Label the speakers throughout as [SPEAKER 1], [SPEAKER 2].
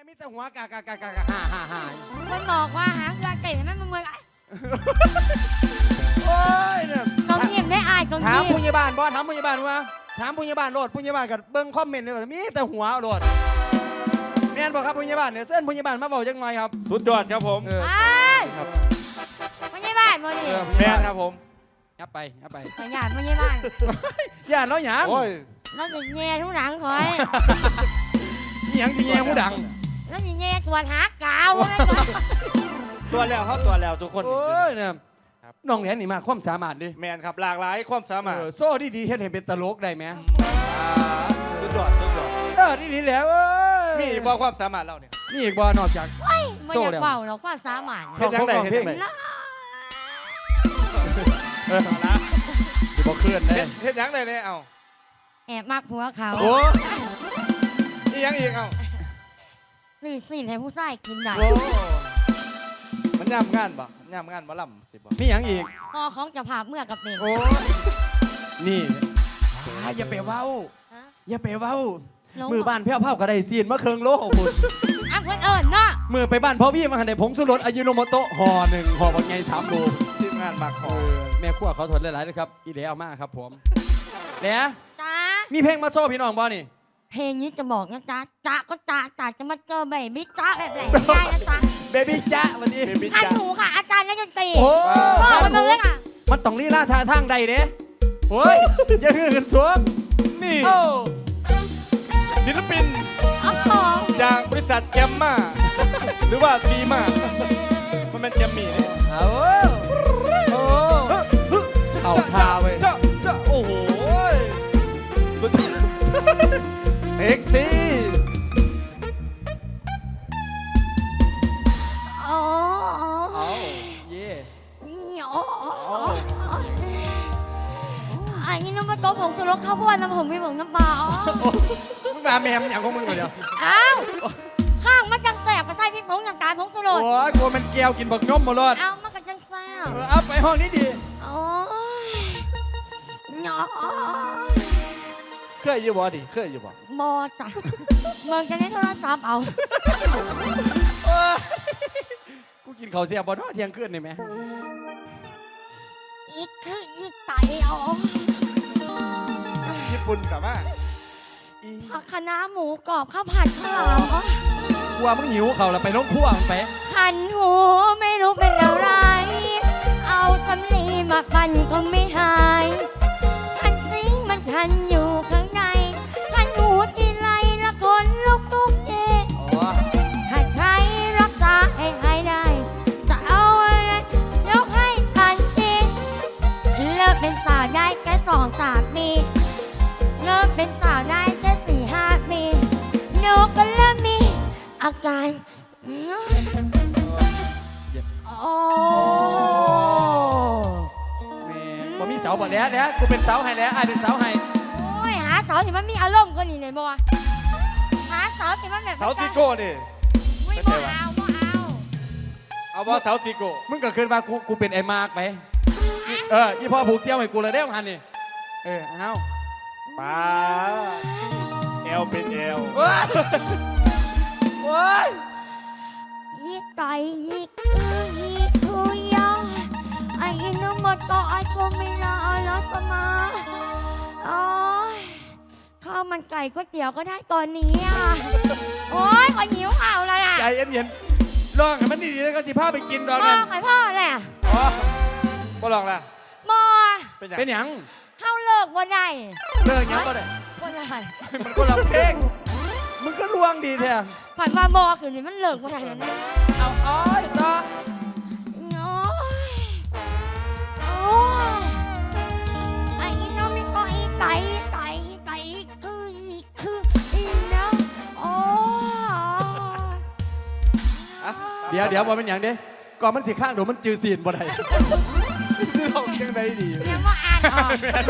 [SPEAKER 1] มีแต่หัวกากฮ่า
[SPEAKER 2] มันบอกว่าหางเกลือไก่ไม่มันเมื่อย
[SPEAKER 1] โอ้ยเนี่ย
[SPEAKER 2] กองเงียบได้อายกอง
[SPEAKER 1] ถาม
[SPEAKER 2] เงียบ
[SPEAKER 1] ผู้ใหญ่บ้านบ่ถามผู้ใหญ่บ้านว่าถามผู้ใหญ่บ้านโหลดผู้ใหญ่บ้านกับเบิ้งคอมเมนต์เลยว่ามีแต่หัวโหลดแม่นบอกครับผู้ใหญ่บ้านเนี่ยเส้นผู้ใหญ่บ้านมาบอกจังไงครับ
[SPEAKER 3] สุดยอดครับผม
[SPEAKER 1] เออ
[SPEAKER 2] ไอ้ไม่ใช่บ้านโมนี่
[SPEAKER 3] แม่ครับผม
[SPEAKER 1] ยับไป
[SPEAKER 2] แต่หยาดไม่ใช่บ้าน
[SPEAKER 1] ย่านแล้วหยัง
[SPEAKER 3] โอ้ย
[SPEAKER 2] แล้วจะแย่ทุกหลังคอย
[SPEAKER 1] หยังสิแยงผู้ดัง
[SPEAKER 2] แล้วจะแย่ตัวหักกาวไม่ตัว
[SPEAKER 3] ตัวแล้วเขาตัวแล้วทุกคน
[SPEAKER 1] โอ้ยเนี่ยน้องแหลนนี่มาความสามารถดิ
[SPEAKER 3] แมนครับหลากหลายความสามารถ
[SPEAKER 1] โซ่ดีๆเฮ็ดให้เป็นตลกได้ไหม
[SPEAKER 3] สุดยอดสุดยอด
[SPEAKER 1] ดีๆแล้วเอ้ย
[SPEAKER 3] มีบอกความสามารถเราเนี่ย
[SPEAKER 1] นี่อีกบ่นอกจาก
[SPEAKER 2] ไม่อยากเป่าหรอกว่าสามารถ
[SPEAKER 3] เฮ็ดยังไงเฮ็ดยังไง
[SPEAKER 2] นะ
[SPEAKER 3] นะ
[SPEAKER 1] สิบ่เคลื่อนได้
[SPEAKER 3] เฮ็ดยังไงเนี่ยเอา
[SPEAKER 2] แอบมากผัวเขา
[SPEAKER 3] โอ้อียังอีกเอา
[SPEAKER 2] หรือสิ่งให้ผู้ชายกินได้
[SPEAKER 3] โอ้มันย่ำงานบ่ย่ำงานบ่ล่ำสิบ่
[SPEAKER 1] มีหยังอีก
[SPEAKER 2] พ่อของจะพาเมื่อกับเด็ก
[SPEAKER 1] โอ้นี่อย่าไปเว้า อย่าไปเว้า มือบ้านเพี้ยวเผาก็ได้ซีนมาเครื่องโลคุณ
[SPEAKER 2] อ่ะเพื่อนเอิญเนาะ
[SPEAKER 1] มือไปบ้านพ่อพี่มาหันได้ผงสุรสอายุโนโมโตะห่อหนึ่งห่อบางไง3 โล
[SPEAKER 3] ทีมงานบักหอ
[SPEAKER 1] แม่ขั้วเขาทนหลายๆเลยครับอีเดเอามากครับผมแล้ว
[SPEAKER 2] จ้า
[SPEAKER 1] มีเพลงมาโซ่พี่น้องบ่นี่
[SPEAKER 2] เพลงนี้จะบอกนะจ๊ะจ๊ะก็จ๊ะจ๊ะจะมาเจอแบบมิจ๊ะแบบไหนไม่ได้นะจ๊ะ
[SPEAKER 1] เบบี้จ๊ะวันนี้
[SPEAKER 3] เบบี้
[SPEAKER 2] ท่าน
[SPEAKER 3] จ้า
[SPEAKER 2] หนูค่ะ อาจารย์นักดนตรี
[SPEAKER 1] โอ้
[SPEAKER 2] บอกไปเมืองเลยค่ะ
[SPEAKER 1] มันต้องลีลาท่าทางใดเด้เฮ้ยอย่าฮือขึ้นสวง
[SPEAKER 3] นี่
[SPEAKER 1] โอ้
[SPEAKER 3] ศิลปิน
[SPEAKER 2] อ๋อ
[SPEAKER 3] จากบริษัทแกมมาหรือว่าฟีมามันเป็นแกมมี่เนี่ย
[SPEAKER 1] เอาโอ้เอาท่าเว้ย
[SPEAKER 3] จ้าโอ้โหสุดยอดเอ็กซี่
[SPEAKER 2] อ๋อ
[SPEAKER 1] เอาเย่
[SPEAKER 2] อันนี้น้ำมันโต๊ะผงสุรสข้าวโพดน้ำผงไม่ผงน้ำปลาอ๋อ
[SPEAKER 1] มึงมาแมมอย่างของมึงก่อนเดียว
[SPEAKER 2] อ้าวข้างมันจังแสบกระใส่พริกผงน้ำตาลผงสุร
[SPEAKER 1] โอ้
[SPEAKER 2] ส
[SPEAKER 1] ยกลัวมันแก้วกินบักนมหมดเลย
[SPEAKER 2] เอามันกันจังแสบ
[SPEAKER 1] เอาไปห้องนี้ดี
[SPEAKER 2] โอ้ยเนาะ
[SPEAKER 3] เคยอยู่บ่ดิเคยอยู่บ่
[SPEAKER 2] บอจ้ะมึงจะได้โทรศัพท์เอา
[SPEAKER 1] กูกินข้าวเสียบ่เนาะเที่ยงคืนนี่แม่
[SPEAKER 2] อีกคืออีกไตอ๋อ
[SPEAKER 3] ญี่ปุ่นกลับมา
[SPEAKER 2] ผักคะน้าหมูกรอบข้าวผัดข้าวหลามอ๋อก
[SPEAKER 1] ลัวมึงหิวเขาแล้วไปลงครัวมึงไป
[SPEAKER 2] ขันหูไม่รู้เป็นอะไร เอาสำลีมาปั่นก็ไม่หายขันซิงมันคันอยู่ข้างในขันหูทีไรละคนลุกทุกเย
[SPEAKER 1] อ๋อ
[SPEAKER 2] หากใครรักษาให้หายได้ จะเอาอะไรยกให้ทันทีเลิกเป็นสาวได้แค่2-3 ปีเลิกเป็นสาวได้แค่4-5 ปีหนูก็เริ่มมีอาการโอ้
[SPEAKER 1] แม่บ่มีเสาบ่แล้วเดี๋ยวกูเป็นเสาให้แล้วไอ้เป็นเสาให้
[SPEAKER 2] โอ้ยหาสาวที่มันมีอารมณ์กว่านี้เลยบ่หาสาวที่มันแบบ
[SPEAKER 3] เสาซิโก้ดิ
[SPEAKER 2] ไม่บ่เอาบ่เอา
[SPEAKER 3] เอาบ่เสาซิโก้
[SPEAKER 1] มึงก็คืนว่ากูเป็นไอ้มากไปอีพ่อผูกเจียวให้กูเลยได้ของหันนี่เอา
[SPEAKER 3] ป้าเอลเป็นเอล
[SPEAKER 1] โอ้ย
[SPEAKER 2] อีไก่อีคืออีคือยาไอ้นมดก็ไอ้โคมิลาอลาสมาโอ้ยข้าวมันไก่ก๋วยเตี๋ยวก็ได้ตอนนี้อ่ะโอ้ยขอหิวข้าวแล้วล่ะ
[SPEAKER 1] ใจเย็นๆลองให้มันดีๆแล้วก็สิพาไปกินดอก
[SPEAKER 2] พ่อ
[SPEAKER 1] นั้น
[SPEAKER 2] ไข่พ่อแหละ
[SPEAKER 1] อ๋อ
[SPEAKER 3] บ่ลองละ
[SPEAKER 2] บอ
[SPEAKER 3] เป็นยัง
[SPEAKER 1] เป็นหยัง
[SPEAKER 2] เข้าเลิกบ่ได้
[SPEAKER 1] เลิกหยังก็ได้
[SPEAKER 2] บ่ได้
[SPEAKER 1] มันคนละเพลงมึงก็ลวงดีแท้
[SPEAKER 2] ผ่านมาบอคือนี่มันเลิกบ่ได้แล้วนะ
[SPEAKER 1] เอาอ้อยต่อ
[SPEAKER 2] โอ้ยโอ้ยไอ้น้องไม่ก็อีไก่คืออีนะโอ้ย
[SPEAKER 1] เดี๋ยวบ่เป็นหยังเด้ก่อนมันสิข้างเดี๋ยวมันจือซีนบ่ได้
[SPEAKER 3] ลองยังไงดี
[SPEAKER 2] เดี๋ยวมาอ่านออก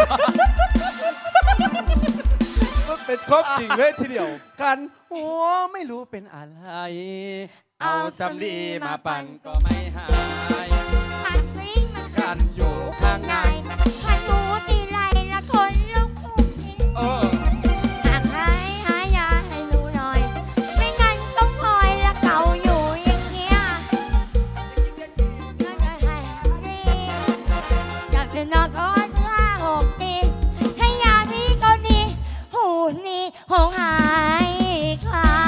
[SPEAKER 3] มันเป็นครบจริงเลยทีเดียว
[SPEAKER 1] กันโอ้ไม่รู้เป็นอะไร เอาสำลีมาปั่นก็ไม่หาย
[SPEAKER 2] ผัดซิงมัน
[SPEAKER 1] กันอยู่ข้างใน
[SPEAKER 2] ผัดหมูทีไรละคนลุกทุกที
[SPEAKER 1] เออ
[SPEAKER 2] หากใครหายาให้หนูหน่อย ไม่งั้นต้องคอยหงหายคลาน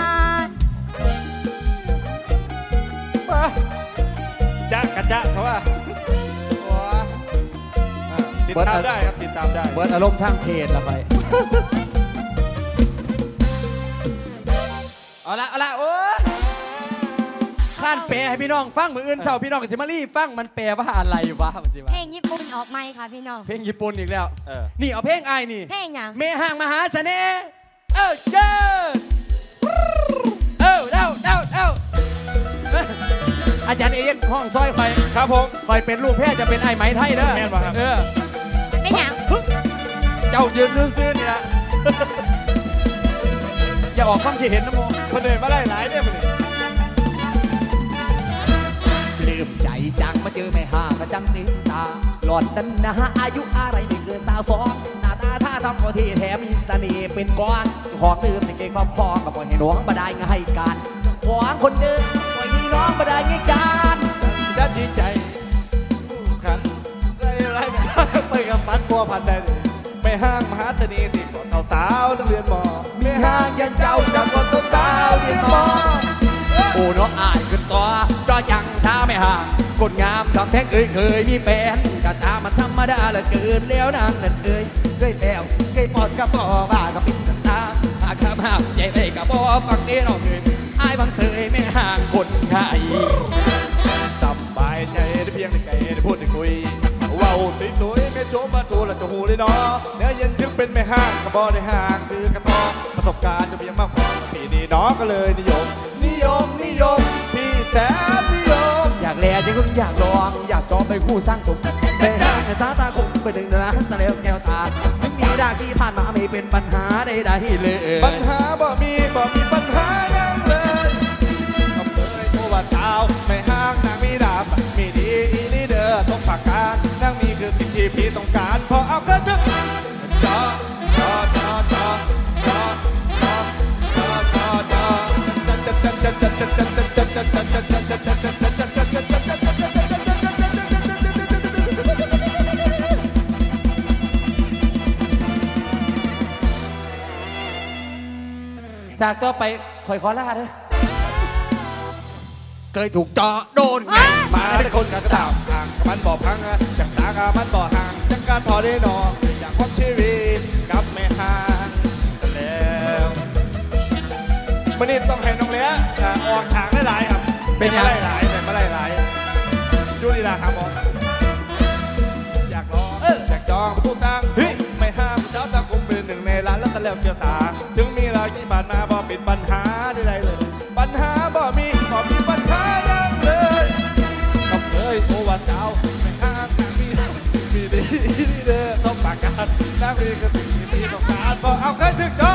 [SPEAKER 3] มาจ๊ะกะจ๊ะเขาว่าติดตามได้ครับติดตามได้
[SPEAKER 1] เบิร์ดอารมณ์ทางเพจละไปเอาละโอ้ยข้านแปลให้พี่น้องฟังมืออื่นเสาร์พี่น้องกับซิมารี่ฟังมันแปลว่าอะไรวะมันสิวะ
[SPEAKER 2] เพลงญี่ปุ่นออกไหมค่ะพี่น้อง
[SPEAKER 1] เพลงญี่ปุ่นอีกแล้ว
[SPEAKER 3] เออ
[SPEAKER 1] นี่เอาเพลงไอ้ายนี่
[SPEAKER 2] เพลงหยัง
[SPEAKER 1] เมห่างมหาเสน่ห์เจ้าเด้าอาจารย์เอ็นห้องซอยคอย
[SPEAKER 3] ครับผม
[SPEAKER 1] คอยเป็นลูกแพทย์จะเป็นไอ้ไหมไทยเด้อ
[SPEAKER 3] แม่นบ่ครับ
[SPEAKER 2] เป็นหยัง
[SPEAKER 1] เจ้ายืนซื่อๆนี่ละ อย่าออกความคิดเห็นนะโม
[SPEAKER 3] คนเดินมาไล่หลายเนี่ยมันนี่
[SPEAKER 1] ลืมใจจังมาเจอแม่ห่างมาจังติดตาหลอดนั้นนะอายุอะไรไม่เกิน22หน้าตาท่าทำก็ที่แถมมีเสน่ห์เป็นก้อนเจ้าของดื่มในเกงครอบครองก็ปล่อยให้น้องมาได้ง่ายกันเจ้าของคนเดิมปล่อยให้น้องมาได้ง่ายกัน
[SPEAKER 3] ด้านดีใจขันไล่ไปกับฟันบัวพันได้ไม่ห้างมหาเสน่ห์ที่ก่อนสาวนักเรียนมอไม่ห้างยันเจ้าจากก่อนสาวเรียนมอ
[SPEAKER 1] โอ้น้องอายขึ้นตัวก็ยังช้าไม่ห่างคนงามทำแท้งเคยมีแฟนกะตามันธรรมดาเหลือเกินแล้วนางนั่นเคยแล้วเคยปอดกับบ่บ้ากับปิดตาหากคำห้ามใจเลยกับบ่ฟังเด้น้องอายบังเสยไม่ห่างคนไทย
[SPEAKER 3] สบายใจได้เพียงได้ไกลได้พูดได้คุยว้าวสวยๆไม่โจมมาทูละจะหูเลยเนาะเนื้อเย็นถึงเป็นไม่ห้างกระบอกได้ห่างคือกระตองประสบการณ์จะเพียงมากพอที่นี่น้องก็เลยนิยมพี่แสนนิยม
[SPEAKER 1] อยากแลจะคุณอยากลองอยากจองไปคู่สร้างสมไปหาสาตาคงไปดึงนะสเลวแก้วตาไม่มีดาที่ผ่านมาไม่เป็นปัญหาใดๆเลย
[SPEAKER 3] ปัญหาบ่มีปัญหายังเลยก็เคยโทรว่าเท้าไม่ห้างนางมีดาบมีดีอีลีเดอร์ต้องปากการนางมีคือสิ่งที่พี่ต้องการพอเอาก็ถึงจอ
[SPEAKER 1] สากก็ไปคอยขอลาเด้อเคยถูกเจาะโดนไง
[SPEAKER 3] มาได้คนกระตามห่างกับมันบ่พังจากตากามันบ่ห่างจากการพอได้นอนอยากพบชีวิตกับแม่ห่างแต่แล้ววันนี้ต้องให้น้องเลี้ยออกฉากได้หลายครับเป็นมาไล่หลายดูดีละครับบอสอยากลองอยากจองผู้ตังไม่ห้ามเจ้าตาคุมเป็นหนึ่งในร้านแล้วตะเล็บเกี่ยวตาถึงมีรายที่ผ่านมาบ่เป็นปัญหาใดๆเลยปัญหาบ่มีปัญหายังเลยก็เคยโทรว่าเจ้าไม่ห้ามนางมีดีเด้อต้องปากการนางมีก็สิ่งที่พี่ต้องการบอกเอาเคยถึงเจาะ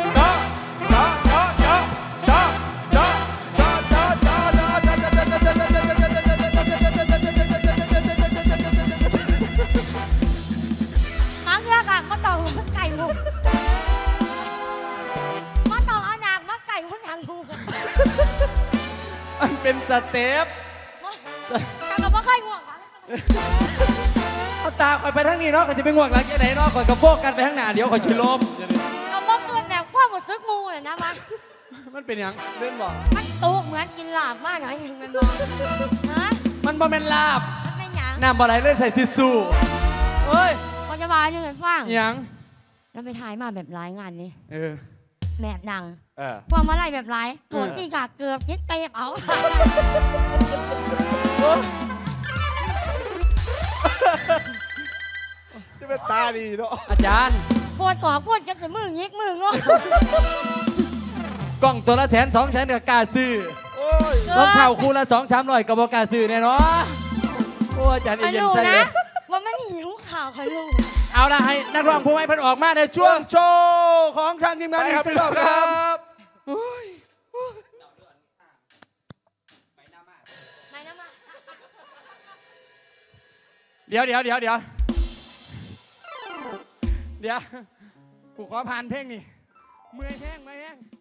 [SPEAKER 1] มันเป็นสเต็ป
[SPEAKER 2] แต่ก็บ่เคยง่วงนะ
[SPEAKER 1] เอาตาคอยไปทางนี้เนาะก็จะไปง่วงหลังจากไหนเนาะคอยกระโปงกันไปทางหน้าเดี๋ยวคอยชิลม
[SPEAKER 2] ก็บ่เกินแบบความหมดซึกมูเลยนะมัน
[SPEAKER 1] มันเป็นหยัง
[SPEAKER 3] เล่นบอก
[SPEAKER 2] มันตุกเหมือนกินหลาบมากหน่อยหนึ่งมันมองฮะ
[SPEAKER 1] มันบ่แม่นลาบ
[SPEAKER 2] มันเป็นหยัง
[SPEAKER 1] น้ำบ่ไหลเล่นใส่ทิชชู่เฮ้ย
[SPEAKER 2] ก็จะมาหนึ่งให้ฟัง
[SPEAKER 1] หยัง
[SPEAKER 2] แล้วไปถ่ายมาแบบหลายงานนี่
[SPEAKER 1] เออ
[SPEAKER 2] แบบดัง
[SPEAKER 3] เออ
[SPEAKER 2] พวกมาไล่แบบหลายโกรธที่กาเกือบยึดเตะเอา
[SPEAKER 3] จะเป็นตาดีเนาะ
[SPEAKER 1] อาจารย์
[SPEAKER 2] ปวดก่อปวดจะมือยิกมืองอก
[SPEAKER 1] ล้องตัวละ100,000-200,000ก็กล้าซื้อ
[SPEAKER 3] โอ้ย
[SPEAKER 1] รองเท้าคู่ละ200-300ก็บ่กล้าซื้อแน่เนาะโอ้อาจารย์
[SPEAKER 2] คอย
[SPEAKER 1] เย็น
[SPEAKER 2] รู้
[SPEAKER 1] ใส่เล
[SPEAKER 2] นะ
[SPEAKER 1] ย
[SPEAKER 2] ว่ามันหิวข่าวคอยรู้
[SPEAKER 1] เอาละให้นักร้องผู้ไม่เพิ่นออกมาในช่วงโชว์ของทางทีมงานอีกสักรอบครับ
[SPEAKER 2] ไหนนะมา
[SPEAKER 1] เดี๋ยวกูขอผ่านเพลงนี่เมื่อยแห้ง